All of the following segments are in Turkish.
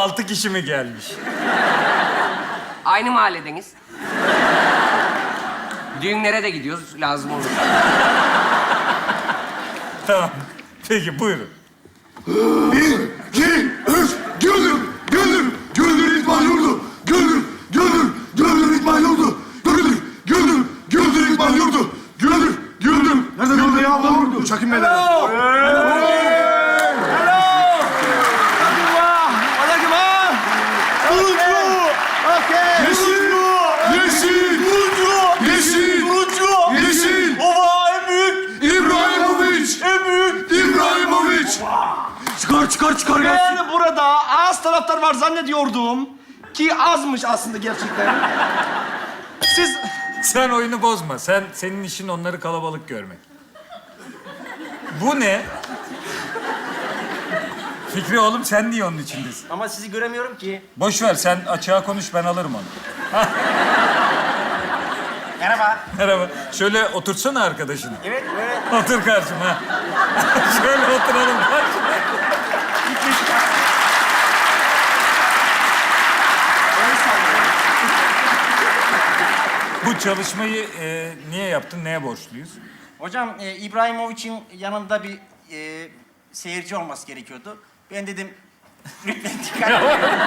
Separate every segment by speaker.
Speaker 1: 6 kişi mi gelmiş?
Speaker 2: Aynı mahalledeniz. Düğünlere de gidiyoruz, lazım olur.
Speaker 1: Tamam. Peki buyurun.
Speaker 3: 1, 2, 3, Güldür İkbal Yurdu. Güldür İkbal Yurdu. Güldür İkbal Yurdu. Güldür. Nerede Güldür ya bu? Çekin beni. Yeşil.
Speaker 1: Baba en büyük.
Speaker 3: İbrahimovic. Çıkar gelsin.
Speaker 4: Ben burada az taraftar var zannediyordum. Ki azmış aslında gerçekten. Siz...
Speaker 1: Sen oyunu bozma. Senin işin onları kalabalık görmek. Bu ne? Fikri oğlum sen niye onun içindesin?
Speaker 4: Ama sizi göremiyorum ki.
Speaker 1: Boş ver sen açığa konuş ben alırım onu.
Speaker 4: Merhaba.
Speaker 1: Merhaba. Şöyle otursana arkadaşını.
Speaker 4: Evet, evet.
Speaker 1: Otur karşıma. Şöyle oturalım. Bu çalışmayı niye yaptın? Neye borçluyuz?
Speaker 5: Hocam İbrahimovic'in yanında bir seyirci olması gerekiyordu. Ben dedim lütfen dikkat.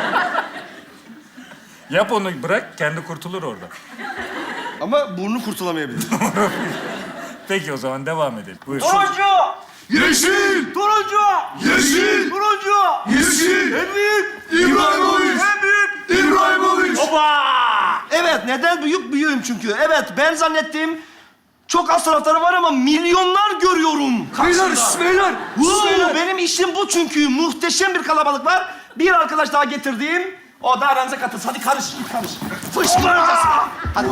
Speaker 1: Yap onu bırak, kendi kurtulur orada.
Speaker 4: Ama burnu kurtulamayabilir.
Speaker 1: Peki o zaman devam edelim. Buyur.
Speaker 4: Turuncu!
Speaker 3: Yeşil.
Speaker 4: Turuncu!
Speaker 3: Yeşil.
Speaker 4: Turuncu!
Speaker 3: Yeşil.
Speaker 4: En büyük!
Speaker 3: İbrahimovic.
Speaker 4: En büyük!
Speaker 3: İbrahimovic.
Speaker 4: Baba! Evet, neden büyüğüm çünkü. Evet, ben zannettim çok az taraftarı var ama milyonlar görüyorum.
Speaker 3: Beyler.
Speaker 4: Benim işim bu çünkü. Muhteşem bir kalabalık var. Bir arkadaş daha getirdim. O da aranıza katılsın. Hadi karış. Fışkıracağız. Hadi.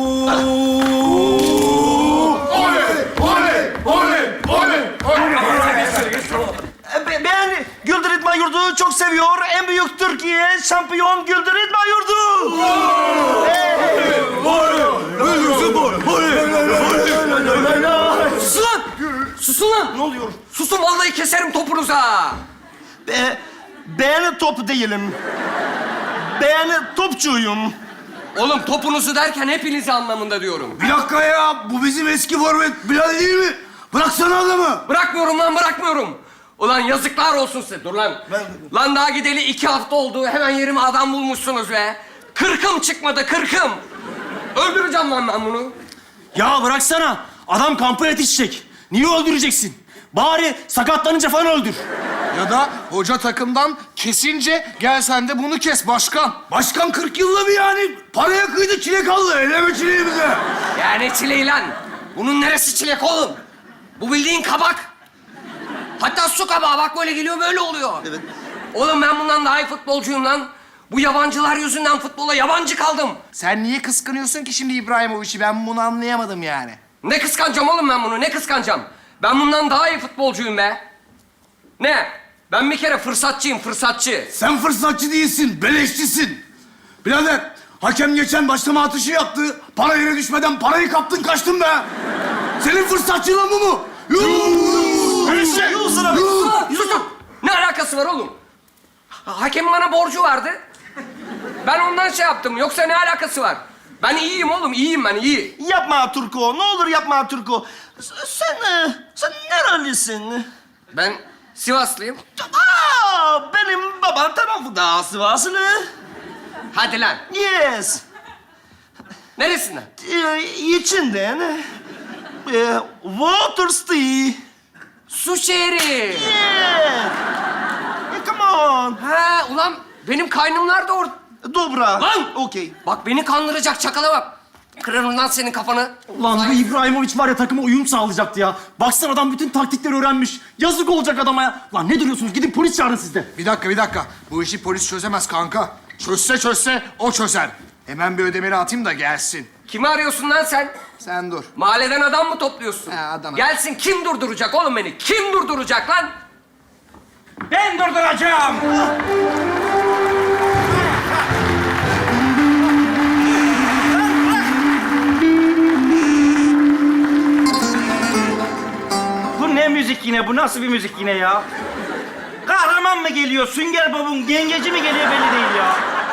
Speaker 4: Ben Güldür İdman Yurdu'yu çok seviyor. En büyük Türkiye şampiyon Güldür İdman Yurdu.
Speaker 2: Susun lan! Susun lan!
Speaker 4: Ne oluyor?
Speaker 2: Susun, vallahi keserim topunuza!
Speaker 4: Ben top değilim. Ben topçuyum.
Speaker 2: Oğlum topunuzu derken hepinizi anlamında diyorum.
Speaker 3: Bir dakika ya. Bu bizim eski forvet Bilal değil mi? Bıraksana adamı.
Speaker 2: Bırakmıyorum lan, bırakmıyorum. Ulan yazıklar olsun size. Dur lan. Lan daha gideli 2 hafta oldu. Hemen yerime adam bulmuşsunuz be. 40'ım çıkmadı, 40'ım. Öldüreceğim lan ben bunu.
Speaker 4: Ya bıraksana. Adam kampa yetişecek. Niye öldüreceksin? Bari sakatlanınca falan öldür.
Speaker 6: Ya da hoca takımdan kesince gel sen de bunu kes başkan.
Speaker 3: Başkan 40 yılda bir yani. Paraya kıydı çilek aldı. Eleme çileği bize.
Speaker 2: Ya ne çileği lan? Bunun neresi çilek oğlum? Bu bildiğin kabak. Hatta su kabağı, bak böyle geliyor böyle oluyor.
Speaker 4: Evet.
Speaker 2: Oğlum ben bundan daha iyi futbolcuyum lan. Bu yabancılar yüzünden futbola yabancı kaldım.
Speaker 6: Sen niye kıskanıyorsun ki şimdi İbrahimovic'i? Ben bunu anlayamadım yani.
Speaker 2: Ne kıskanacağım oğlum ben bunu, ne kıskanacağım? Ben bundan daha iyi futbolcuyum be. Ne? Ben bir kere fırsatçıyım, fırsatçı.
Speaker 3: Sen fırsatçı değilsin, beleşçisin. Birader, hakem geçen başlama atışı yaptı. Para yere düşmeden parayı kaptın kaçtın be. Senin fırsatçılığın bu mu?
Speaker 2: Susun! Ne alakası var oğlum? Hakemin bana borcu vardı. Ben ondan şey yaptım, yoksa ne alakası var? Ben iyiyim oğlum, iyiyim ben, iyi.
Speaker 4: Yapma Turko. Ne olur yapma Turko. Sen nerelisin?
Speaker 2: Ben Sivaslıyım.
Speaker 4: Benim babam tarafı da Sivaslı.
Speaker 2: Hadi lan.
Speaker 4: Yes.
Speaker 2: Neresinden?
Speaker 4: İçinden. Waterstee.
Speaker 2: Su şehri.
Speaker 4: Yeah. Come on.
Speaker 2: Ha ulan benim kaynımlar da orada.
Speaker 4: Dobra.
Speaker 2: Lan!
Speaker 4: Okey.
Speaker 2: Bak beni kandıracak çakala bak. Kırarım lan senin kafanı.
Speaker 7: Lan bu İbrahimovic var ya takıma uyum sağlayacaktı ya. Baksana adam bütün taktikleri öğrenmiş. Yazık olacak adama ya. Lan ne duruyorsunuz? Gidin polis çağırın siz de.
Speaker 6: Bir dakika. Bu işi polis çözemez kanka. Çözse o çözer. Hemen bir ödemeli atayım da gelsin.
Speaker 2: Kimi arıyorsun lan sen?
Speaker 6: Sen dur.
Speaker 2: Mahalleden adam mı topluyorsun?
Speaker 6: He, adam.
Speaker 2: Gelsin, kim durduracak oğlum beni? Kim durduracak lan? Ben durduracağım.
Speaker 4: Bu ne müzik yine? Bu nasıl bir müzik yine ya?
Speaker 5: kahraman mı geliyor, Sünger Bob'un yengeci mi geliyor belli değil ya.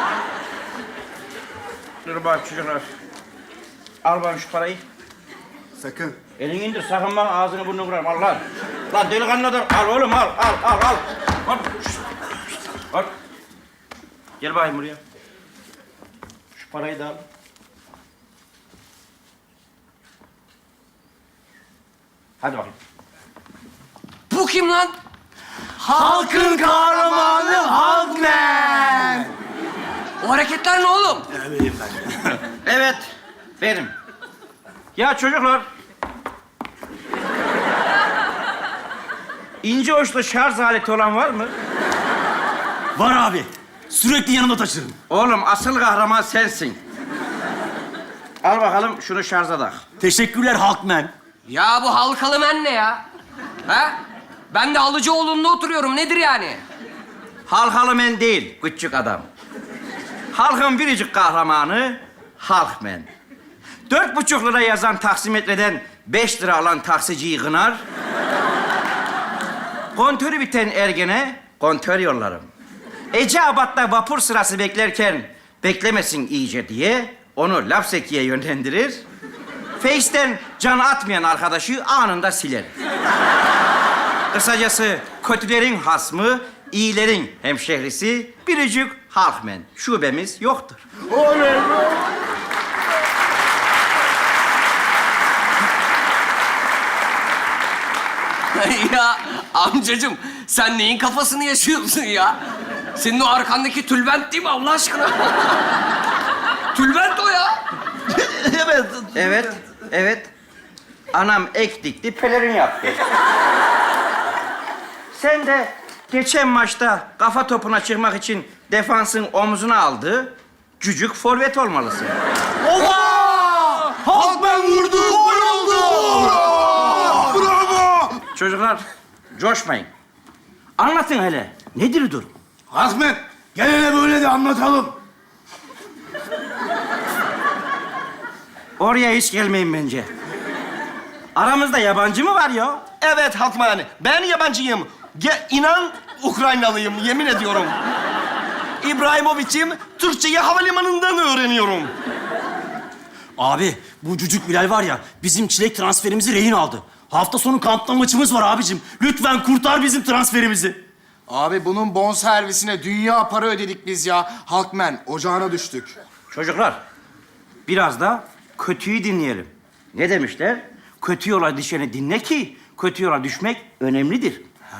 Speaker 5: Dur bak çocuklar. Al bana şu parayı.
Speaker 3: Sakın.
Speaker 5: Elini indir, sakın bak ağzını burnunu kırarım. Al lan. Lan delikanlı adam. Al oğlum, al. Al. Al. Gel bakayım buraya. Şu parayı da al. Hadi bakayım.
Speaker 2: Bu kim lan?
Speaker 3: Halkın kahramanı Halkman.
Speaker 2: O hareketler ne oğlum?
Speaker 5: Evet, benim. Ya çocuklar. İnce uçlu şarj aleti olan var mı?
Speaker 7: Var abi. Sürekli yanımda taşırım.
Speaker 5: Oğlum asıl kahraman sensin. Al bakalım şunu şarja tak.
Speaker 7: Teşekkürler Halkman.
Speaker 2: Ya bu halkalı men ne ya? Ha? Ben de Alıcıoğlu'nda oturuyorum. Nedir yani?
Speaker 5: Halkalı men değil, küçük adam. Halkın biricik kahramanı Halkmen. 4,5 lira yazan taksimetreden 5 lira alan taksiciyi kınar. Kontörü biten ergene kontör yollarım. Eceabat'ta vapur sırası beklerken beklemesin iyice diye onu Lapseki'ye yönlendirir. Face'ten can atmayan arkadaşı anında siler. Kısacası kötülerin hasmı, iyilerin hemşehrisi biricik Halkmen. Şubemiz yoktur.
Speaker 2: Ya amcacığım sen neyin kafasını yaşıyorsun ya? Senin o arkandaki tülbent değil mi Allah aşkına? Tülbent o ya.
Speaker 5: Evet. Anam ek dikti, pelerin yaptı. Sen de geçen maçta kafa topuna çıkmak için defansın omzuna aldığı cücük forvet olmalısın.
Speaker 3: Halkman vurdu, gol oldu. Bravo.
Speaker 5: Çocuklar, coşmayın. Anlatın hele. Nedir durum?
Speaker 3: Halkman, gel hele böyle de anlatalım.
Speaker 5: Oraya hiç gelmeyin bence. Aramızda yabancı mı var ya?
Speaker 4: Evet Halkman, ben yabancıyım. İnan Ukraynalıyım, yemin ediyorum. İbrahimovic'im, Türkçeyi havalimanından öğreniyorum.
Speaker 7: Abi bu cücük Bilal var ya bizim çilek transferimizi rehin aldı. Hafta sonu kampta maçımız var abicim. Lütfen kurtar bizim transferimizi.
Speaker 6: Abi bunun bonservisine dünya para ödedik biz ya. Halkman, ocağına düştük.
Speaker 5: Çocuklar, biraz da kötüyü dinleyelim. Ne demişler? Kötü yola düşeni dinle ki kötü yola düşmek önemlidir.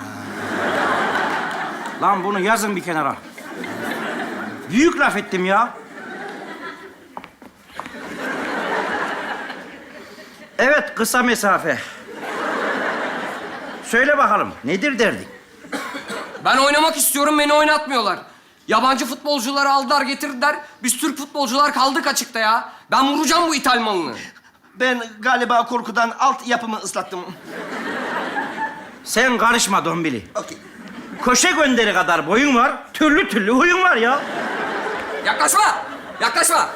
Speaker 5: Lan bunu yazın bir kenara. Büyük laf ettim ya. Evet, kısa mesafe. Söyle bakalım, nedir derdin?
Speaker 2: Ben oynamak istiyorum, beni oynatmıyorlar. Yabancı futbolcuları aldılar getirdiler. Biz Türk futbolcular kaldık açıkta ya. Ben vuracağım bu ithal malını.
Speaker 4: Ben galiba korkudan alt yapımı ıslattım.
Speaker 5: Sen karışma Dombili.
Speaker 4: Okey.
Speaker 5: Köşe gönderi kadar boyun var, türlü türlü huyun var ya.
Speaker 2: Yaklaşma! Yaklaşma!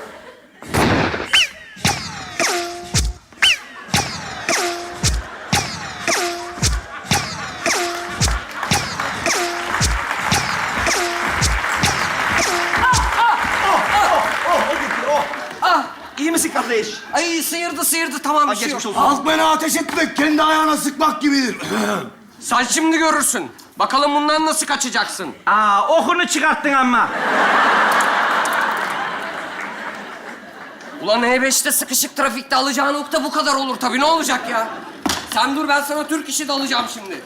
Speaker 4: İyi misin kardeş?
Speaker 2: Ay sıyırdı tamam bir şey yok.
Speaker 4: Geçmiş olsun.
Speaker 3: Halkman'a ateş etmek kendi ayağına sıkmak gibidir.
Speaker 2: Sen şimdi görürsün. Bakalım bundan nasıl kaçacaksın?
Speaker 5: Okunu çıkarttın ama.
Speaker 2: Ulan E5'te sıkışık trafikte alacağı nokta bu kadar olur tabii. Ne olacak ya? Sen dur ben sana Türk işi de alacağım şimdi.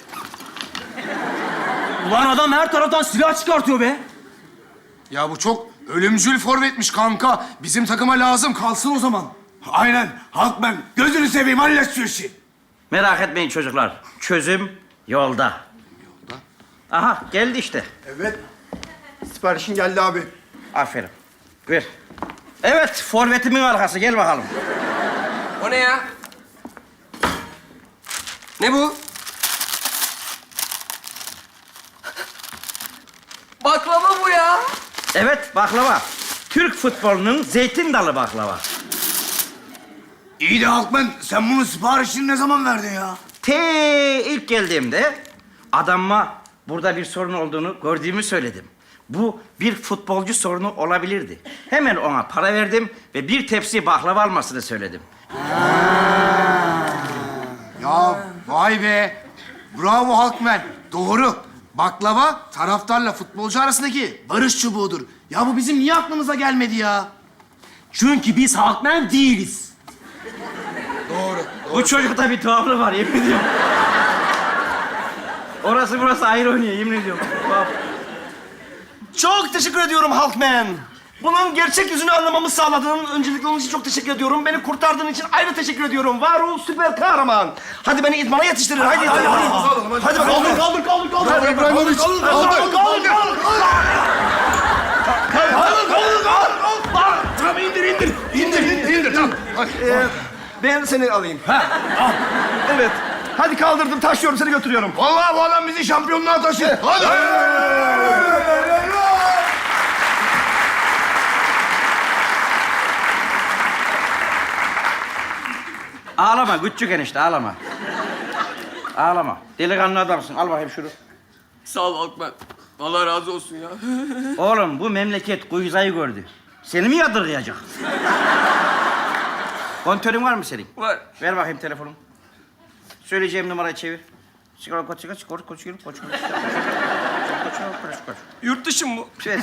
Speaker 7: Ulan adam her taraftan silah çıkartıyor be.
Speaker 6: Ya bu çok ölümcül forvetmiş kanka. Bizim takıma lazım, kalsın o zaman.
Speaker 3: Aynen. Halkman, gözünü seveyim, hallet şu işi.
Speaker 5: Merak etmeyin çocuklar. Çözüm yolda. Aha, geldi işte.
Speaker 3: Evet. Siparişin geldi abi.
Speaker 5: Aferin. Ver. Evet, forvetimin arkası. Gel bakalım.
Speaker 2: O ne ya? Ne bu? Baklava bu ya.
Speaker 5: Evet, baklava. Türk futbolunun zeytin dalı baklava.
Speaker 3: İyi de Halkman, sen bunun siparişini ne zaman verdin ya?
Speaker 5: Ilk geldiğimde adamıma burada bir sorun olduğunu gördüğümü söyledim. Bu bir futbolcu sorunu olabilirdi. Hemen ona para verdim ve bir tepsi baklava almasını söyledim.
Speaker 6: Ya vay be. Bravo Halkmen. Doğru. Baklava taraftarla futbolcu arasındaki barış çubuğudur. Ya bu bizim niye aklımıza gelmedi ya?
Speaker 7: Çünkü biz halkmen değiliz.
Speaker 5: Bu çocukta bir tuhaflık var, yemin ediyorum. Orası burası ayrı oynuyor, yemin ediyorum. Tuhaf.
Speaker 4: Çok teşekkür ediyorum Halkman. Bunun gerçek yüzünü anlamamı sağladığın öncelikle onun için çok teşekkür ediyorum. Beni kurtardığın için ayrı teşekkür ediyorum. Var ol süper kahraman. Hadi beni idmana yetiştirin. Hadi bakalım. Kaldır.
Speaker 6: Bravo İbrahimovic.
Speaker 4: Tamam indir. Tamam. Ben seni alayım. Evet. Hadi kaldırdım, taşıyorum, seni götürüyorum.
Speaker 3: Vallahi bu adam bizi şampiyonluğa taşır. Hadi.
Speaker 5: Ağlama küçük enişte, ağlama. Ağlama. Delikanlı adamsın, al bakayım şunu.
Speaker 2: Sağ ol Halkmen. Allah razı olsun ya.
Speaker 5: Oğlum bu memleket kuyuzayı gördü. Seni mi yadırgayacak? Kontörün var mı senin?
Speaker 2: Var.
Speaker 5: Ver bakayım telefonu. Söyleyeceğim numarayı çevir. Koç.
Speaker 2: Yurt dışı mı bu?
Speaker 5: Ver.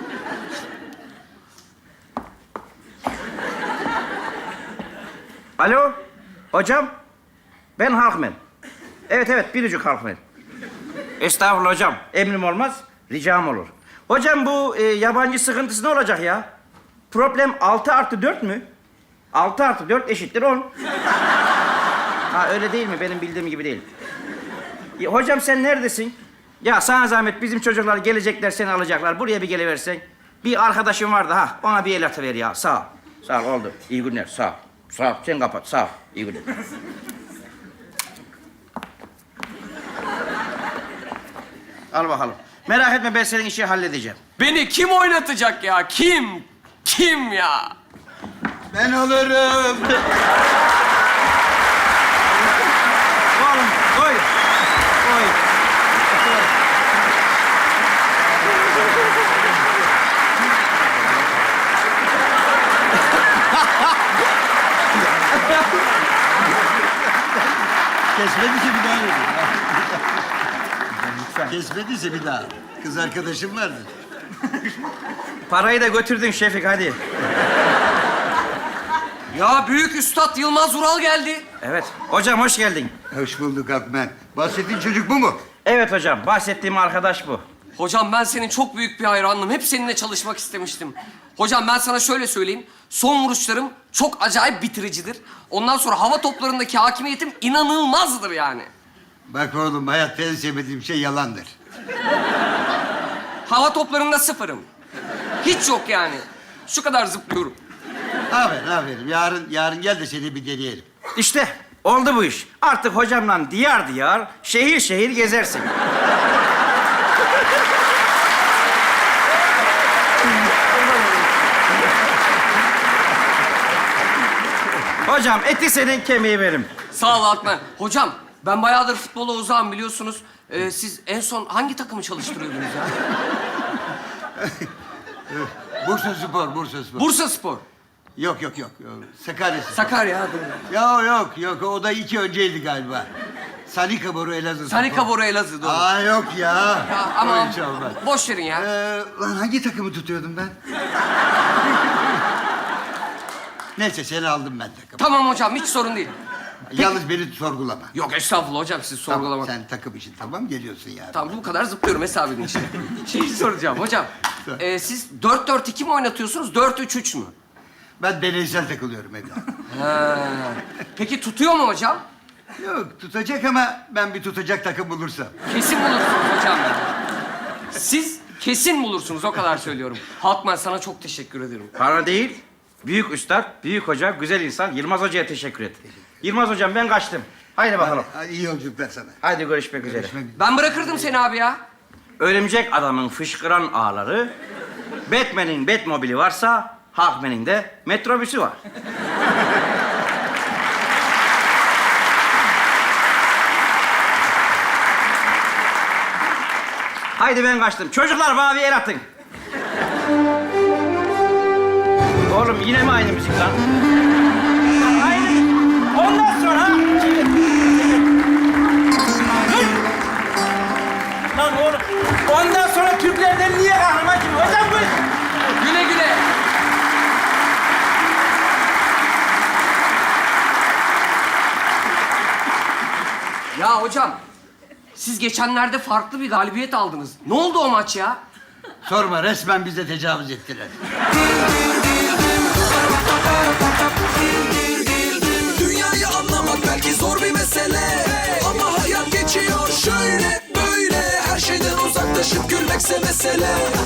Speaker 5: Alo, hocam. Ben Halkmen. Evet, biricik Halkmen. Estağfurullah hocam, emrim olmaz, ricam olur. Hocam bu yabancı sıkıntısı ne olacak ya? Problem 6+4 mü? 6+4 eşittir 10. Ha öyle değil mi? Benim bildiğim gibi değil. Ya, hocam sen neredesin? Ya sana zahmet bizim çocuklar gelecekler seni alacaklar. Buraya bir geliversen. Bir arkadaşım vardı ha. Ona bir el atıver ya. Sağ ol. Sağ ol oldu. İyi günler. Sağ ol. Sağ ol. Sen kapat. Sağ ol. İyi günler. Al bakalım. Merak etme ben senin işi halledeceğim.
Speaker 2: Beni kim oynatacak ya? Kim? Kim ya?
Speaker 3: Ben alırım.
Speaker 5: Oğlum koy. Koy.
Speaker 8: Kesmediyse bir daha yedim. Kesmediyse bir daha. Kız arkadaşım vardı.
Speaker 5: Parayı da götürdün Şefik hadi.
Speaker 2: Ya büyük üstad Yılmaz Ural geldi.
Speaker 5: Evet. Hocam hoş geldin.
Speaker 8: Hoş bulduk Akmen. Bahsettiğin çocuk bu mu?
Speaker 5: Evet hocam. Bahsettiğim arkadaş bu.
Speaker 2: Hocam ben senin çok büyük bir hayranım. Hep seninle çalışmak istemiştim. Hocam ben sana şöyle söyleyeyim. Son vuruşlarım çok acayip bitiricidir. Ondan sonra hava toplarındaki hakimiyetim inanılmazdır yani.
Speaker 8: Bak oğlum hayatta en sevmediğim şey yalandır.
Speaker 2: Hava toplarında sıfırım. Hiç yok yani. Şu kadar zıplıyorum.
Speaker 8: Aferin. Yarın gel de seni bir deneyelim.
Speaker 5: İşte oldu bu iş. Artık hocamla diyar diyar, şehir şehir gezersin. Hocam eti senin kemiği benim.
Speaker 2: Sağ ol Alkmen. Hocam ben bayağıdır futbola uzağım biliyorsunuz. Siz en son hangi takımı çalıştırıyordunuz ya?
Speaker 8: Bursa Spor.
Speaker 2: Bursa Spor.
Speaker 8: Yok. Sakarya Spor.
Speaker 2: Sakarya.
Speaker 8: Yok. O da 2 önceydi galiba. Sanika Boru Elazığ.
Speaker 2: Sanika Bora Elazığ doğru.
Speaker 8: Aa yok ya.
Speaker 2: Ya, ama
Speaker 8: O hiç olmaz.
Speaker 2: boş verin ya.
Speaker 8: Lan hangi takımı tutuyordum ben? Neyse seni aldım ben takım.
Speaker 2: Tamam hocam hiç sorun değil.
Speaker 8: Yalnız beni sorgulama.
Speaker 2: Yok estağfurullah hocam siz sorgulamak.
Speaker 8: Tamam, sen takım için tamam geliyorsun yani.
Speaker 2: Tamam bu kadar zıplıyorum hesap edin işte. Şeyi soracağım hocam. Siz 4-4-2 mi oynatıyorsunuz 4-3-3 mü?
Speaker 8: Ben deneysel takılıyorum evde.
Speaker 2: Peki tutuyor mu hocam?
Speaker 8: Yok tutacak ama ben bir tutacak takım bulursam.
Speaker 2: Kesin bulursunuz hocam. Siz kesin bulursunuz o kadar söylüyorum. Halkman sana çok teşekkür ederim.
Speaker 5: Bana değil, büyük üstad, büyük hoca, güzel insan Yılmaz Hoca'ya teşekkür et. Yılmaz Hocam ben kaçtım. Haydi bakalım.
Speaker 8: Hadi iyi yolculuklar sana.
Speaker 5: Haydi görüşmek üzere.
Speaker 2: Ben bırakırdım seni abi ya.
Speaker 5: Örümcek adamın fışkıran ağları, Batman'in Batmobili varsa, Halkman'in de metrobüsü var. Haydi ben kaçtım. Çocuklar bana bir el atın. Oğlum yine mi aynı müzik lan? Aynı. Ondan sonra... Lan oğlum. Ondan sonra Türklerden niye kahraman gibi? Hocam bu...
Speaker 2: Güle güle. Ya hocam, siz geçenlerde farklı bir galibiyet aldınız. Ne oldu o maç ya?
Speaker 8: Sorma, resmen bize tecavüz ettiler.
Speaker 9: Dünyayı anlamak belki zor bir mesele, ama hayat geçiyor şöyle böyle. Her şeyden uzaklaşıp gülmekse mesele.